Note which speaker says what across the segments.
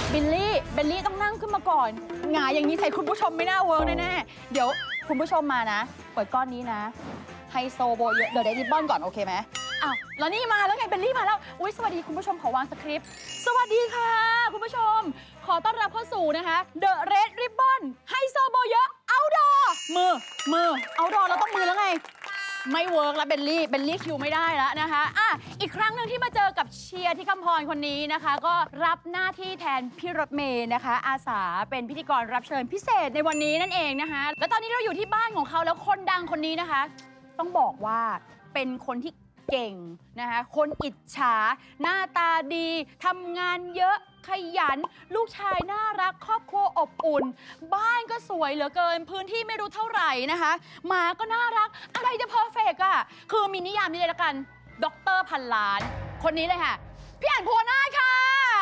Speaker 1: เบลลี่ต้องนั่งขึ้นมาก่อนหงายอย่างนี้ใส่คุณผู้ชมไม่น่าเวิร์กแน่ๆเดี๋ยวคุณผู้ชมมานะเปิดก้อนนี้นะไฮโซโบเยอะเดี๋ยวได้ริบบอนก่อนโอเคไหมอ้าวแล้วนี่มาแล้วไงเบลลี่มาแล้วอุ๊ยสวัสดีคุณผู้ชมขอวางสคริปต์สวัสดีค่ะคุณผู้ชมขอต้อนรับเข้าสู่นะคะ The Red Ribbon ไฮโซโบเยอะเอาดอมือเอาดอเราต้องมือแล้วไงไม่เวิร์กแล้วเบลลี่คิวไม่ได้แล้วนะคะอีกครั้งหนึ่งที่มาเจอกับเชียร์ที่คำพรคนนี้นะคะก็รับหน้าที่แทนพี่รถเมย์นะคะอาสาเป็นพิธีกรรับเชิญพิเศษในวันนี้นั่นเองนะคะแล้วตอนนี้เราอยู่ที่บ้านของเขาแล้วคนดังคนนี้นะคะต้องบอกว่าเป็นคนที่เก่งนะคะคนอิจฉาหน้าตาดีทำงานเยอะขยันลูกชายน่ารักครอบครัวอบอุ่นบ้านก็สวยเหลือเกินพื้นที่ไม่รู้เท่าไหร่นะคะหมาก็น่ารักอะไรจะเพอร์เฟกต์อ่ะคือมีนิยามนี้เลยละกันด็อกเตอร์พันล้านคนนี้เลยค่ะพี่อั๋น ภูวนาถค่ะ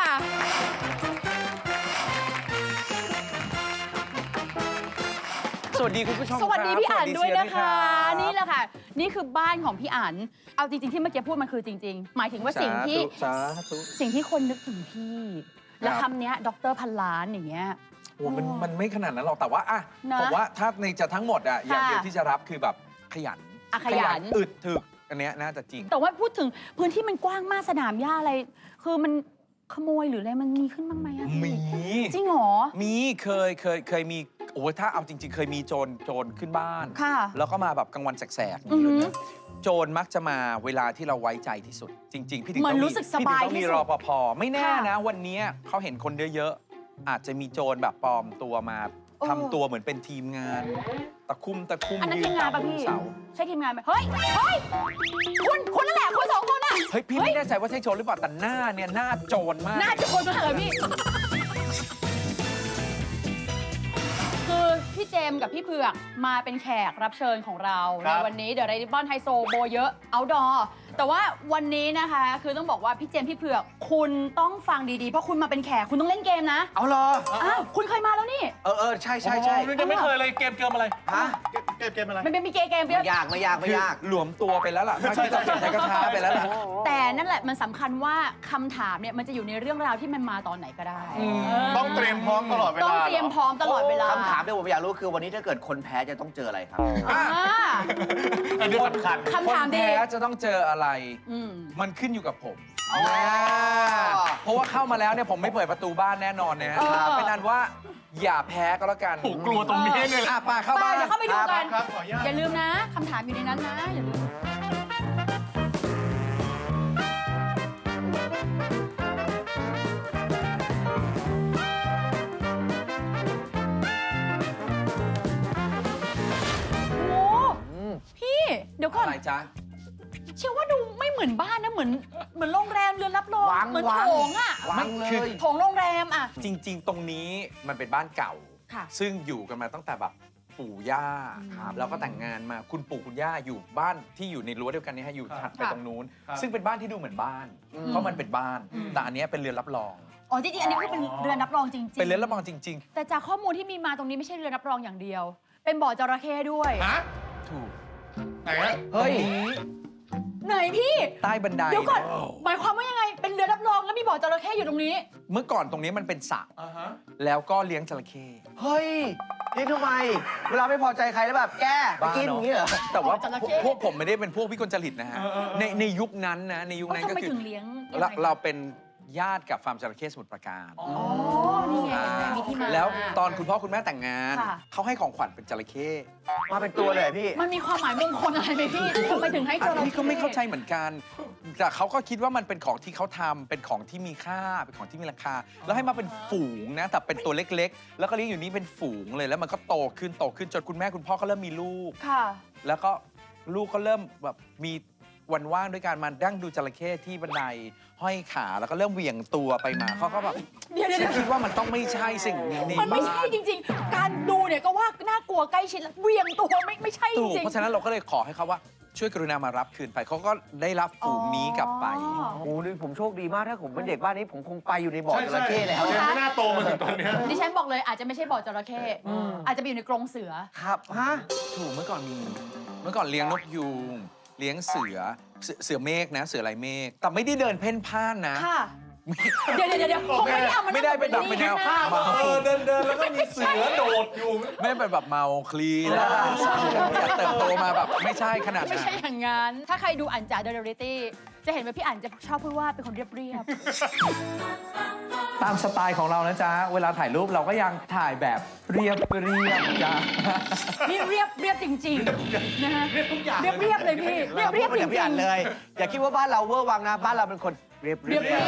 Speaker 2: สวัสดีคุณผู้ชม
Speaker 1: สวัสดีพี่อั๋นด้วยนะคะ นี่แหละค่ะ นี่คือบ้านของพี่อั๋นเอาจริงๆที่เมื่อกี้พูดมันคือจริงๆหมายถึงว่าสิ่งที่คนนึกถึงพี่และคำนี้ด็อกเตอร์พันล้านอย่างเงี้ย
Speaker 2: โอ้มันไม่ขนาดนั้นหรอกแต่ว่าผมว่าถ้าในจะทั้งหมดอย่างเดียวที่จะรับคือแบบขยันอึดถึกอันเนี้ยน่าจะจริง
Speaker 1: แต่ว่าพูดถึงพื้นที่มันกว้างมากสนามหญ้าอะไรคือมันขโมยหรืออะไรมันมีขึ้นบ้างไหม
Speaker 2: มี
Speaker 1: จริงเหรอ
Speaker 2: มีเคยมีโอ้ถ้าเอาจริงๆเคยมีโจรขึ้นบ้านแล้วก็มาแบบกลางวันแสกๆอย่างนี้เลยนะโจรมักจะมาเวลาที่เราไว้ใจที่สุดจริงๆพี่ถึงต้องมีรปภไม่แน่นะวันนี้เขาเห็นคนเยอะๆอาจจะมีโจรแบบปลอมตัวมาทำตัวเหมือนเป็นทีมงานตะคุ่ม
Speaker 1: อันนั้นทีมงานป่ะพี่ใช่ทีมงานไหมเฮ้ยคุณนั่นแหละคุณสองคนอ่ะ
Speaker 2: เฮ้ยพี่ไม่แน่ใจว่าใช่โจรหรือเปล่าแต่หน้าเนี่ยหน้าโจรมาก
Speaker 1: หน้าโจรมากเลยพี่คือพี่เจมกับพี่เผือกมาเป็นแขกรับเชิญของเราในวันนี้เดี๋ยวไรดิบอนไฮโซโบเยอะเอาดอแต่ว่าวันนี้นะคะคือต้องบอกว่าพี่เจมพี่เผือกคุณต้องฟังดีๆเพราะคุณมาเป็นแขกคุณต้องเล่นเกมนะ
Speaker 2: เอาเหรอ
Speaker 1: คุณเคยมาแล้วนี่
Speaker 2: ใช่
Speaker 3: ยังไม่เคยเลยเกมอะไร
Speaker 2: ฮะ
Speaker 3: เกมอะไร
Speaker 1: มันเป็นมีเกม
Speaker 2: ไม่ยากหลวมตัวไปแล้วล่ะไม่ต้องใช้กระช้าไปแล้วล่ะ
Speaker 1: แต่นั่นแหละมันสำคัญว่าคำถามเนี่ยมันจะอยู่ในเรื่องราวที่มันมาตอนไหนก็ได้
Speaker 3: ต้องเตรียมพร้อมตลอดเวลา
Speaker 1: ต้องเตรียมพร้อมตลอดเวลา
Speaker 4: คำถามที่ผมอยากรู้คือวันนี้ถ้าเกิดคนแพ้จะต้องเจออะไรครับ
Speaker 3: อันนี้สำคัญ
Speaker 1: คำถามดี
Speaker 2: แพ้จะต้องเจออะไรมันขึ้นอยู่กับผมเพราะว่าเข้ามาแล้วเนี่ยผมไม่เปิดประตูบ้านแน่นอนนะเป็นอันว่าอย่าแพ้ก็แล้วกัน
Speaker 3: ผมกลัวตรงนี้เลย
Speaker 2: ป่าเข้าบ้าน
Speaker 1: เดี๋ยวเข้าไปดูกันอย่าลืมนะคำถามอยู่ในนั้นนะอย่าลืมพี่เดี๋ยวก่อน
Speaker 2: อะไรจ๊ะ
Speaker 1: เชื่อว่าดูไม่เหมือนบ้านนะเหมือนโรงแรมเรือนรับรองเหมือนโถงอ่ะ
Speaker 2: ไม่คือ
Speaker 1: โถงโรงแรมอ่ะ
Speaker 2: จริงๆตรงนี้มันเป็นบ้านเก่าซึ่งอยู่กันมาตั้งแต่แบบปู่ย่าแล้วก็แต่งงานมาคุณปู่คุณย่าอยู่บ้านที่อยู่ในรั้วเดียวกันนี้ฮะอยู่ถัดไปตรงนู้นซึ่งเป็นบ้านที่ดูเหมือนบ้านเพราะมันเป็นบ้านแต่อันนี้เป็นเรือนรับรอง
Speaker 1: อ๋อจริงๆอันนี้คือเป็นเรือนรับรองจริงๆ
Speaker 2: เป็นเรือนรับรองจริง
Speaker 1: ๆแต่จากข้อมูลที่มีมาตรงนี้ไม่ใช่เรือนรับรองอย่างเดียวเป็นบ่อจระเข้ด้วย
Speaker 2: ถูก
Speaker 3: ไหน
Speaker 2: เฮ้ย
Speaker 1: ไหนพี่
Speaker 2: ใต้บันได
Speaker 1: เดี๋ยวก่อนหมายความว่ายังไงเป็นเรือรับรองแล้วมีบ่อจระเข้อยู่ตรงนี้
Speaker 2: เมื่อก่อนตรงนี้มันเป็นสระแล้วก็เลี้ยงจระเข้
Speaker 4: เฮ้ยนี่ทำไมเวลาไม่พอใจใครแล้วแบบแกไปกินอย่างนี้เหรอ
Speaker 2: แต่ว่าพวกผมไม่ได้เป็นพวกวิกลจริตนะฮะในยุคนั้นนะในยุคนั้นก็คือเราเป็นญาติกับฟาร์มจระเข้สมุทรปราการ
Speaker 1: นี่ไงมีที่มา
Speaker 2: แล้วตอนคุณพ่อคุณแม่แต่งงานเขาให้ของขวัญเป็นจระเข้
Speaker 4: มาเป็นตัวเลยพี่
Speaker 1: มันมีความหมายมงคลอะไรไหมพี่ทำไมถึงให้จระเข้
Speaker 2: พี่ก็ไม่เข้าใจเหมือนกันแต่เขาก็คิดว่ามันเป็นของที่เขาทำเป็นของที่มีค่าเป็นของที่มีราคาแล้วให้มาเป็นฝูงนะแต่เป็นตัวเล็กๆแล้วก็เลี้ยงอยู่นี่เป็นฝูงเลยแล้วมันก็โตขึ้นจนคุณแม่คุณพ่อก็เริ่มมีลูกแล้วก็ลูกก็เริ่มแบบมีวันว่างด้วยการมาดั้งดูจระเข้ที่บันไดห้อยขาแล้วก็เริ่มเหวี่ยงตัวไปมาเขาก็แบบ
Speaker 1: เดี๋ยว
Speaker 2: คิดว่ามันต้องไม่ใช่สิ่งนี้
Speaker 1: มันไม่ใช่จริงๆการดูเนี่ยก็ว่าน่ากลัวใกล้ชิดแล้วเหวี่ยงตัวไม่ใช่จริง
Speaker 2: เพราะฉะนั้นเราก็เลยขอให้เขาว่าช่วยกรุณามารับคืนไปเขาก็ได้รับฝูงนี้กลับไป
Speaker 4: โอ้ยผมโชคดีมากถ้าผมเป็นเด็กบ้านนี้ผมคงไปอยู่ในบ่อจระเข้แล้ว
Speaker 3: ไม่น่าโตมาถึงตอนนี้
Speaker 1: ดิฉันบอกเลยอาจจะไม่ใช่บ่อจระเข้อาจจะไปอยู่ในกรงเสือ
Speaker 4: ครับฮะ
Speaker 2: ถูกเมื่อก่อนเลี้ยงนกยูงเลี้ยงเสือเมฆนะเสือลายเมฆแต่ไม่ได้เดินเพ่นพ่านนะ
Speaker 1: เดี๋ยวผมไม่ได้เอามัน
Speaker 2: ไม่ได้เป็นแบบเป็นแนว
Speaker 1: ข้างห
Speaker 2: เมา
Speaker 3: เดินแล้วก็มีเสือโดดอยู่
Speaker 2: ไม่เป็นแบบเมาคลีแล้วอยากเติบโตมาแบบไม่ใช่ขนาด
Speaker 1: ไม่
Speaker 2: นั้น
Speaker 1: ใช่อย่างนั้น ถ้าใครดูอันจ๋าเดอะเรียลลิตี้จะเห็นว่าพี่อันจะชอบพูดว่าเป็นคนเรียบ
Speaker 2: ตามสไตล์ของเรานะจ๊ะ เวลาถ่ายรูปเราก็ยังถ่ายแบบเรียบจ้ะ
Speaker 1: ๆนี่เรียบจริงๆนะฮะ
Speaker 3: เรียบทุกอย่าง
Speaker 1: เรียบเลยพี่เรียบจ
Speaker 4: อย่า
Speaker 1: ริ
Speaker 4: พี่อ่าน
Speaker 1: งๆ
Speaker 4: เลย อย่าคิดว่าบ้านเราเวอร์วังนะ บ้านเราเป็นคนเรียบ
Speaker 1: เรียบเลย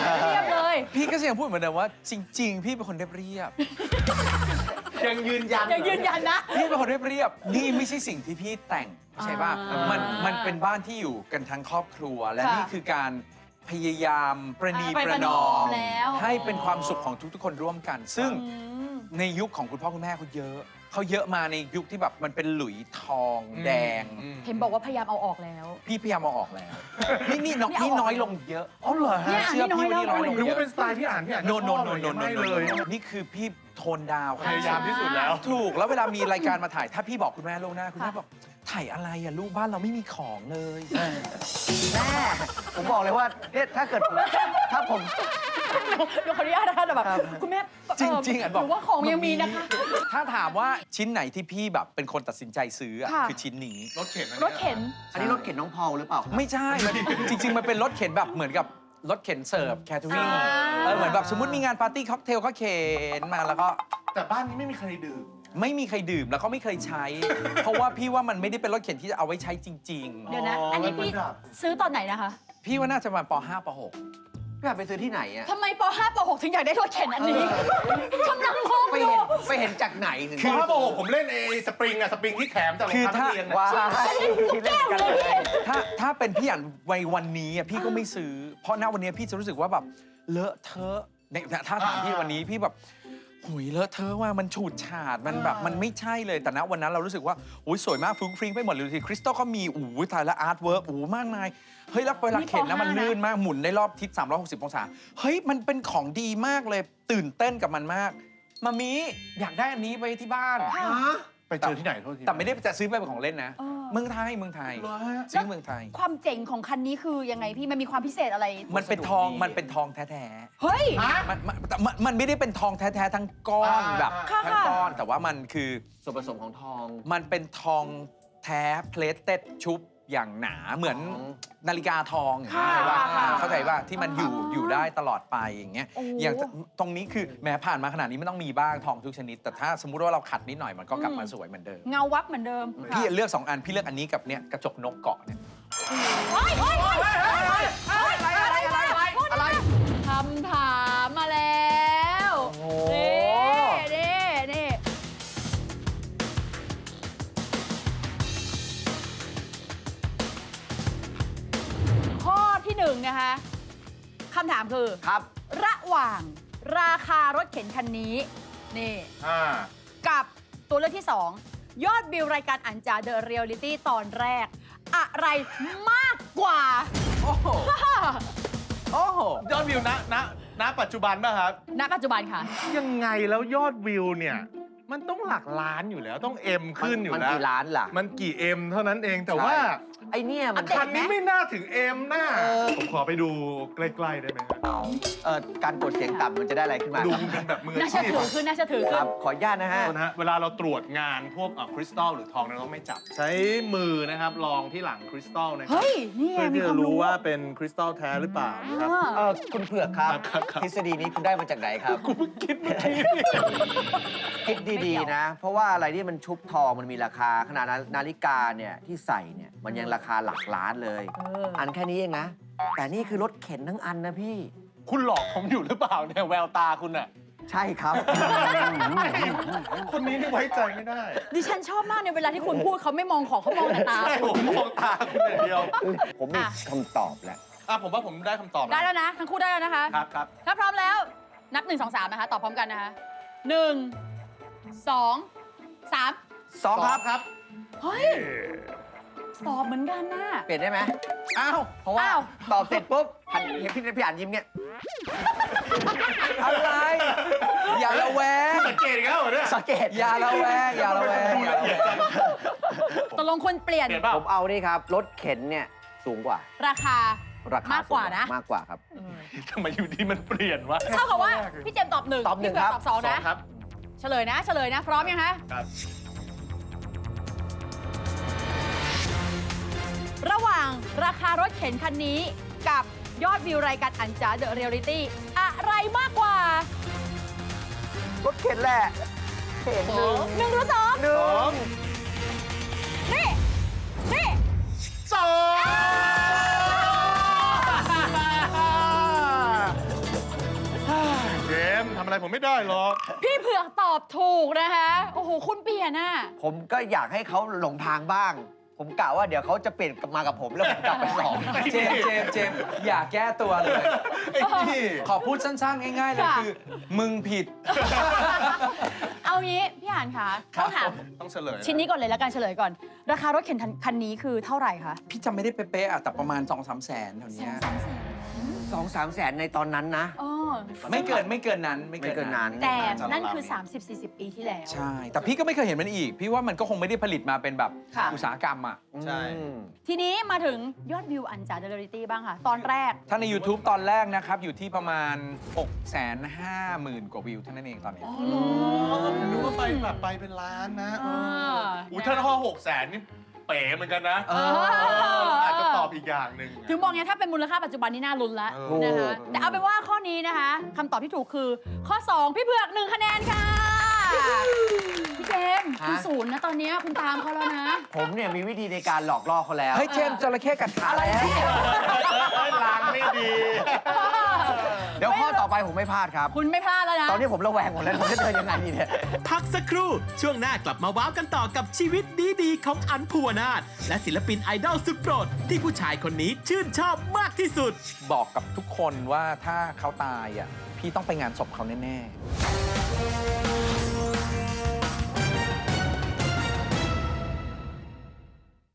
Speaker 2: พี่ก็ยังพูดเหมือนเดิมว่าจริง ๆ พี่เป็นคนเรียบ
Speaker 3: ยังยืนยัน
Speaker 1: ยังยืนยันนะ
Speaker 2: พี่เป็นคนเรียบนี่ไม่ใช่สิ่งที่พี่แต่งใช่ป่ะ
Speaker 1: อ่ามั
Speaker 2: มันเป็นบ้านที่อยู่กันทั้งครอบครัว และ
Speaker 1: ค่ะ
Speaker 2: นี่คือการพยายามประนี
Speaker 1: ไป
Speaker 2: ป
Speaker 1: ประ ระ
Speaker 2: น
Speaker 1: น
Speaker 2: อ
Speaker 1: อ
Speaker 2: ม
Speaker 1: มแล้ว
Speaker 2: ให้เป็นความสุขของทุกๆคนร่วมกัน ซึ่ง
Speaker 1: อืม
Speaker 2: ในยุคของคุณพ่อคุณแม่เขาเยอะ เขาเยอะมาในยุคที่แบบมันเป็นหลุยทองแดง
Speaker 1: เห็นบอกว่าพยายามเอาออกแล้ว
Speaker 2: พี่พยายามเอาออกแล้ว นี่น้อย
Speaker 1: นี่เอาออก
Speaker 2: น้อยลงเยอะอ๋อเหรอฮะ
Speaker 1: เนี่ยอันนี้
Speaker 2: เชื่อพี่
Speaker 1: น้
Speaker 2: ว่า
Speaker 1: อย
Speaker 2: นี่
Speaker 1: แล้ว
Speaker 2: น้อยลง
Speaker 3: รู้
Speaker 2: เย
Speaker 3: ว่า
Speaker 2: อะ
Speaker 3: เป็นสไตล์ที่อ่านที่อ่าน
Speaker 2: โนโนโนโน
Speaker 3: ไม่
Speaker 2: โน
Speaker 3: เลย
Speaker 2: นี่คือพี่โทนดาว
Speaker 3: พยายามที่สุดแล้ว
Speaker 2: ถูกแล้วเวลามีรายการมาถ่ายถ้าพี่บอกคุณแม่ล่วงหน้าคุณแม่บอกถ่ายอะไรอะลูกบ้านเราไม่มีของเลย
Speaker 4: แม่ผมบอกเลยว่าเนี่ยถ้าเกิดถ้าผม
Speaker 1: เดี๋ยวขออนุญาตนะคะแต่แบบ
Speaker 4: ครับ
Speaker 1: คุณแม่
Speaker 2: จริงๆอ่ะ
Speaker 1: ห
Speaker 2: บอก
Speaker 1: รือว่าของยังมีนะคะ
Speaker 2: ถ้าถามว่าชิ้นไหนที่พี่แบบเป็นคนตัดสินใจซื้ออะ
Speaker 1: ค่ะ
Speaker 2: คือชิ้นนี้
Speaker 3: รถเข็นอัน
Speaker 1: ร
Speaker 3: นี้
Speaker 1: ถเข็น
Speaker 4: อันนี้รถเข็นน้องพอลหรือเปล่าครับ
Speaker 2: ไม่ใช่มันจริง ๆ มันเป็นรถเข็นแบบเหมือนกับรถเข็นเสิร์ฟแคทเทอริง
Speaker 1: อ่า
Speaker 2: เหมือนแบบสมมติมีงานปาร์ตี้ค็อกเทลก็เข็นมาแล้วก็
Speaker 3: แต่บ้านนี้ไม่มีใครดื่ม
Speaker 2: ไม่มีใครดื่มแล้วก็ไม่เคยใช้ เพราะว่าพี่ว่ามันไม่ได้เป็นรถเข็นที่จะเอาไว้ใช้จริง
Speaker 1: เดี๋ยวนะ
Speaker 3: อ๋ออั
Speaker 1: อันนี้
Speaker 3: มัน
Speaker 1: พี่
Speaker 3: ดับ
Speaker 1: ซื้อตอนไหนนะคะ
Speaker 2: ๆ พี่ว่าน่าจะมาป .5 ป
Speaker 4: พี่อ่านไปซื้อที่ไหนอะ
Speaker 1: ทำไมป .5 ป .6 ถึงอยากได้รถเข็นอันนี้กำลังงง
Speaker 4: ไป
Speaker 1: อยู่
Speaker 4: เห็นจากไหนถึง
Speaker 3: คือถ้าบอกผมเล่นไอ้สปริงอะสปริงที่แถมจากรองเท้านักเรียน
Speaker 4: ว้า
Speaker 3: อะ
Speaker 4: ย
Speaker 1: ลูกแก้วเลยพี่
Speaker 2: ถ้าเป็นพี่อ่านวัยวันนี้อะพี่ก็ไม่ซื้อ เพราะณวันนี้พี่จะรู้สึกว่าแบบเลอะเทอะเนี่ยถ้าถามพี่วันนี้พี่แบบหุยเลอะเทอะว่ามันฉูดฉาดมันแบบมันไม่ใช่เลยแต่ณวันนั้นเรารู้สึกว่าอุ้ยสวยมากฟรุ้งฟริ้งไปหมดเลยทีคริสตัลก็มีอู้ถ่ายแล้วอาร์ตเวิร์กมากมายเฮ้ยแล้วเวลาเข็นนะมันลื่นมากหมุนได้รอบทิศ360 องศาเฮ้ยมันเป็นของดีมากเลยตื่นเต้นกับมันมากมามีอยากได้อันนี้ไปที่บ้าน
Speaker 1: ค่ะ
Speaker 3: ไปเจอที่ไหนโทษที
Speaker 2: แต่ไม่ได้จะซื้อไปเป็นของเล่นนะ
Speaker 1: เออ
Speaker 2: เมืองไทย
Speaker 3: เหรอฮะ
Speaker 2: ซื้อเมืองไทย
Speaker 1: ความเจ๋งของคันนี้คือยังไงพี่มันมีความพิเศษอะไร
Speaker 2: มันเป็นทองมันเป็นทองแท้
Speaker 1: เฮ้ย
Speaker 3: ฮะ
Speaker 2: ๆแต่มันไม่ได้เป็นทองแท้ๆทั้งก้อน
Speaker 3: อ่า
Speaker 2: แบบ
Speaker 1: ค่ะ
Speaker 2: ทั้งก้อน แต่ว่ามันคือ
Speaker 4: ส่วนผสมของทอง
Speaker 2: มันเป็นทองแท้เพลทเต็ดชุบอย่างหนาเหมือน
Speaker 4: อ๋อ
Speaker 2: นาฬิกาทองอย่างเงี้ย
Speaker 1: ค่ะ
Speaker 2: เข้าใจป่ะที่มันอยู่
Speaker 1: อ๋อ
Speaker 2: อยู่ได้ตลอดไปอย่างเงี้ย
Speaker 1: โอ้
Speaker 2: อย่างตรงนี้คือแม้ผ่านมาขนาดนี้ไม่ต้องมีบ้างทองทุกชนิด แต่ถ้าสมมุติว่าเราขัดนิดหน่อยมันก็กลับมาสวยเหมือนเดิม
Speaker 1: เงาวับเหมือนเดิม
Speaker 2: พี่เลือก2 อันพี่เลือกอันนี้กับเนี่ยกระจกนกเกาะเนี่ย
Speaker 1: เฮ้ยเฮ้ยเฮ้ยเฮ้ยอะไรคำถามมาแล้ว
Speaker 4: โอ้โห
Speaker 1: นี่ข้อที่หนึ่งนะคะคำถามคือ
Speaker 4: ครับ
Speaker 1: ระหว่างราคารถเข็นคันนี้นี่
Speaker 3: อ่า
Speaker 1: กับตัวเลือกที่ 2 ยอดวิวรายการอันจาเดอะเรียลลิตี้ตอนแรก อะไรมากกว่า
Speaker 2: โอ้โหโอ้โห
Speaker 3: ยอดวิวณปัจจุบันป่ะครับ
Speaker 1: ณปัจจุบันค่ะ
Speaker 3: ยังไงแล้วยอดวิวเนี่ย มันต้องหลักล้านอยู่แล้วต้องเอ็มขึ้นอยู่
Speaker 4: มัน
Speaker 3: แล้ว
Speaker 4: กี่ล้านล่ะ
Speaker 3: มันกี่เอ็มเท่านั้นเองแต่ว่า
Speaker 4: ไอเนี่ยมัน
Speaker 1: อัปเดต
Speaker 3: คันนี้ไม่น่าถึงเอ็มน่า
Speaker 4: เออ
Speaker 3: ผมขอไปดูใกล้ๆได้ไหมครับ
Speaker 4: การกดเสียงต่ำมันจะได้อะไรขึ้นมา
Speaker 3: ดูเป็นแบบมือ
Speaker 1: น่า
Speaker 3: อา
Speaker 1: เชื่อ
Speaker 3: ชีพ
Speaker 1: ถือขึ้นน่าเชื่อถือ
Speaker 4: ค
Speaker 1: ขึ้
Speaker 4: รั
Speaker 1: น
Speaker 4: บ ขออนุญาตนะฮะ
Speaker 3: โทษนะฮะเวลาเราตรวจงานพวกคริสตัลหรือทองเราต้องไม่จับ ใช้มือนะครับลองที่หลังคริสตัลนะครั
Speaker 1: เฮ้ย นี่ไง
Speaker 3: เพื่อ
Speaker 1: มี
Speaker 3: ที่
Speaker 1: ควา
Speaker 3: จะ
Speaker 1: ม
Speaker 3: รู้
Speaker 1: รู้
Speaker 3: ว่าเป็นคริสตัลแท้หรือเปล่านะครับ
Speaker 4: คุณเผือกครับ
Speaker 3: ครับ
Speaker 4: ทฤษฎีนี้คุณได้มาจากไหนครับ
Speaker 3: กูเพิ่งคิดเมื่อกี้
Speaker 4: คิดดีๆนะ เพราะว่าอะไรที่มันชุบทองมันมีราคาขนาดนาฬิกาเนี่ยที่ใส่เนี่ยมันยังราคาหลักล้านเลย อันแค่นี้เองนะ แต่นี่คือรถเข็นทั้งอันนะพี่
Speaker 3: คุณหลอกผมอยู่หรือเปล่าเนี่ยแววตาคุณอะ
Speaker 4: ใช่ครับ
Speaker 3: คนนี้นี่ไว้ใจไม่ได้
Speaker 1: ดิฉันชอบมากในเวลาที่คุณพูดเขาไม่มองของเขามองแต่ตา
Speaker 3: ใช่ผมมองตาคุณอย่างเดียว
Speaker 4: ผมมีคำตอบแล้ว
Speaker 3: ผมว่าผมได้คำตอบ
Speaker 1: ได้แล้วนะ ทั้งคู่ได้แล้วนะคะ
Speaker 3: ครับ
Speaker 1: ถ้าพร้อมแล้ว นับ 1 2 3 นะคะ ตอบพร้อมกันนะคะ 1 2 3
Speaker 4: 2 ครับ
Speaker 3: ครับ
Speaker 1: เฮ้ย ตอบเหมือนกันน่ะ
Speaker 4: เปลี่ยนได้ไหม
Speaker 2: อ้าว
Speaker 4: เพราะว่า
Speaker 1: อ้าว
Speaker 4: ตอบเสร็จปุ๊บหันเห็นพี่อ่านยิ้มเงี้ย
Speaker 2: อะไร อย่าระแวง
Speaker 3: สังเกตอีกแล้วเหรอเนี่ย
Speaker 4: สังเกต
Speaker 2: อย่าระแวง อย่าระแวง
Speaker 3: ดูละเอียดจัง
Speaker 1: ตกลงคนเปลี่ยน
Speaker 3: เปลี่ยนเปล่า
Speaker 4: ผมเอานี่ครับ รถเข็นเนี่ยสูงกว่า
Speaker 1: ราคา
Speaker 4: ราคาม
Speaker 1: ากกว่านะ
Speaker 4: มากกว่าครับ
Speaker 1: อืม
Speaker 3: ทำไมอยู่ดีมันเปลี่ยนวะ
Speaker 1: เท่ากับว่าพี่เจมส์ตอบ 1
Speaker 4: ตอบหนึ่ง
Speaker 1: พี่เผือก
Speaker 4: ครับ
Speaker 1: ตอบ 2 นะ
Speaker 3: ครับ
Speaker 1: เฉลยนะ พร้อมยังคะ
Speaker 3: ครับ
Speaker 1: ระหว่างราคารถเข็นคันนี้กับยอดวิวรายการอันจ๋าเดอะเรียลลิตี้อะไรมากกว่าร
Speaker 4: ถเข็นแหละเข็นหนึ่ง
Speaker 1: หนึ่งหรือสอง
Speaker 4: หนึ่ง
Speaker 1: นี่
Speaker 3: สองเจมส์ทำอะไรผมไม่ได้หรอก
Speaker 1: พี่เผือกตอบถูกนะคะ โอ้โห คุณเปลี่ยนอ่ะ
Speaker 4: ผมก็อยากให้เขาหลงทางบ้าง ผมกะว่าเดี๋ยวเขาจะเปลี่ยนกลับมากับผมแล้วผมกลับไปสอง
Speaker 2: เจมส์อย่าแก้ตัวเลย
Speaker 3: ไอ้นี่
Speaker 2: ขอพูดสั้นๆ ง่ายๆ เลย
Speaker 1: ค่ะ
Speaker 2: คือ มึงผิด
Speaker 1: เอางี้พี่อ่านค่ะต้องถาม
Speaker 3: ต้องเฉลยะ
Speaker 1: ชิ้นนี้ก่อนเลยแล้วกันเฉลยก่อน ราคารถเข็นคันนี้คือเท่าไหร่คะ
Speaker 2: พี่จำไม่ได้เป๊ะๆอะแต่ประมาณ 2-3 แสนแถวเนี้ย
Speaker 4: 2-3 แสนในตอนนั้นนะ
Speaker 1: อ๋อ
Speaker 2: ไม่เกินนั้น
Speaker 4: ไม่เกินนั้น
Speaker 1: แต่นั่นคือ 30-40 ปีที่แล้ว
Speaker 2: ใช่ แต่พี่ก็ไม่เคยเห็นมันอีก พี่ว่ามันก็คงไม่ได้ผลิตมาเป็นแบบ
Speaker 1: ค่ะ
Speaker 2: อุตสาหกรรมอ่ะ
Speaker 3: ใช่
Speaker 4: อืม
Speaker 1: ทีนี้มาถึงยอดวิวอันจ๋าเดอะเรียลลิตี้บ้างค่ะ ตอนแรก
Speaker 2: ถ้าใน YouTube ตอนแรกนะครับ อยู่ที่ประมาณ 650,000 กว่าวิวเท่านั้นเองตอนนี้
Speaker 3: ผมนึกว่าไปเป็นล้านนะ
Speaker 1: อ่า
Speaker 3: อุ้ยถ้าข้อ600,000นี่เป๋เหมือนกันนะ
Speaker 4: เออ
Speaker 3: อาจจะตอบอีกอย่างหนึ่ง
Speaker 1: ถึงบอกไงถ้าเป็นมูลค่าปัจจุบันนี่น่าลุ้นแล้ว
Speaker 3: ถูก
Speaker 1: นะคะแต่เอาเป็นว่าข้อนี้นะคะคำตอบที่ถูกคือข้อ 2 พี่เผือก 1 คะแนนค่ะ พี่เจมส์คุณ
Speaker 4: ฮะ
Speaker 1: ศูนย์นะตอนนี้คุณตามเขาแล้วนะ
Speaker 4: ผมเนี่ยมีวิธีในการหลอกล่อเขาแล้ว
Speaker 2: เฮ้ยเจมส์จระเข้กัดขาแล้ว
Speaker 3: ลางไม่ดี
Speaker 4: เดี๋ยวข้อต่อไปผมไม่พลาดครับ
Speaker 1: คุณไม่พลาดแล้วนะ
Speaker 4: ตอนนี้ผมระแวงหมดแล้วผมจะเดินยังไงดีเนี่ย
Speaker 5: พักสักครู่ ช่วงหน้ากลับมาว้าวกันต่อกับชีวิตดีๆของอันภูวนาถและศิลปินไอดอลสุดโปรด ที่ผู้ชายคนนี้ชื่นชอบมากที่สุด
Speaker 2: บอกกับทุกคนว่าถ้าเขาตายอ่ะ พี่ต้องไปงานศพเขาแน่ๆ